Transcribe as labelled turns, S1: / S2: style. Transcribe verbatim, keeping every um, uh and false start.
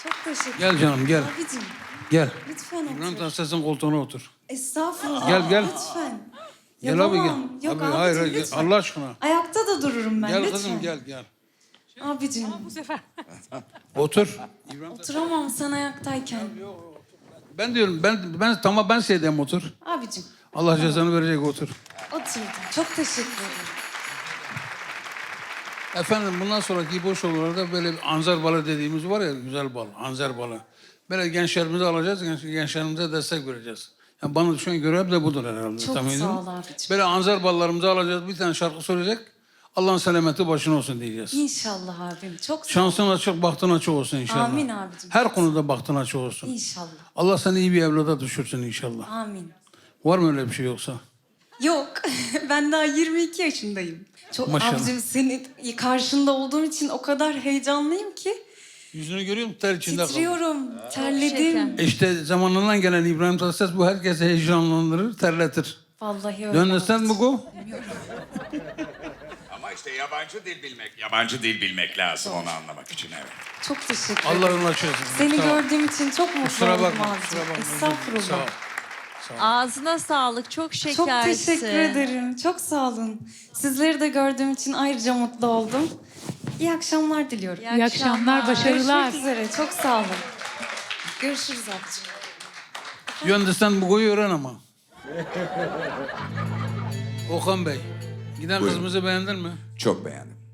S1: Çok teşekkür
S2: Gel canım gel.
S1: Abicim
S2: Gel.
S1: lütfen otur.
S2: İbrahim Tatlıses'in koltuğuna otur.
S1: Estağfurullah.
S2: Gel, gel.
S1: Lütfen.
S2: Gel abi
S1: Yapamam.
S2: gel.
S1: Yok
S2: Abi,
S1: abicim
S2: hayır, hayır, gel.
S1: lütfen.
S2: Allah aşkına.
S1: Ayakta da dururum ben
S2: Gel
S1: lütfen.
S2: kızım gel gel.
S1: Abicim
S2: Otur.
S1: oturamam sen ayaktayken.
S2: Ben diyorum ben ben tamam ben şeydeyim otur.
S1: Abicim
S2: Allah cezanı verecek otur.
S1: oturdum. Çok teşekkür ederim.
S2: Efendim bundan sonraki boş olanlarda böyle bir anzer balı dediğimiz var ya güzel bal, anzer balı. Böyle gençlerimizi alacağız, genç, gençlerimize destek vereceğiz. Yani bana düşen görev de budur herhalde.
S1: Çok
S2: tahmin
S1: sağ
S2: ediyorum.
S1: ol abicim.
S2: Böyle anzer ballarımızı alacağız, bir tane şarkı söyleyecek. Allah'ın selameti başına olsun diyeceğiz.
S1: İnşallah abim. Çok sağ ol.
S2: Şansın açık, bahtın açık olsun inşallah.
S1: Amin abicim.
S2: Her konuda bahtın açık olsun.
S1: İnşallah.
S2: Allah seni iyi bir evlada düşürsün inşallah.
S1: Amin.
S2: Var mı öyle bir şey yoksa?
S1: Yok. Ben daha yirmi iki yaşındayım. Çok
S2: Maşallah.
S1: abicim senin karşında olduğum için o kadar heyecanlıyım ki.
S2: Yüzünü görüyor musun? Ter içinde kaldı.
S1: Titriyorum. Terledim.
S2: İşte zamanından gelen İbrahim Tatlıses bu herkese heyecanlandırır, terletir.
S1: Vallahi öyle.
S2: Dönlesten mi
S1: abicim.
S2: bu?
S3: Ama işte yabancı dil bilmek, yabancı dil bilmek lazım onu anlamak için evet.
S1: Çok teşekkür ederim.
S2: Allah yolunu açık etsin.
S1: Seni
S2: Sağ ol.
S1: gördüğüm için çok mutlu
S2: Kusura
S1: oldum
S2: bakma,
S1: abicim.
S2: kusura bakma.
S1: Estağfurullah.
S2: Sağ ol.
S4: Ağzına sağlık. Çok şekersin.
S1: Çok teşekkür ederim. Çok sağ olun. Sizleri de gördüğüm için ayrıca mutlu oldum. İyi akşamlar diliyorum.
S4: İyi
S5: İyi akşamlar, başarılar.
S1: Görüşmek üzere. Çok sağ olun. Görüşürüz abicim.
S2: You understand bu koyu öğren ama. Okan Bey, giden
S3: Buyurun.
S2: kızımızı beğendin mi?
S3: Çok beğendim.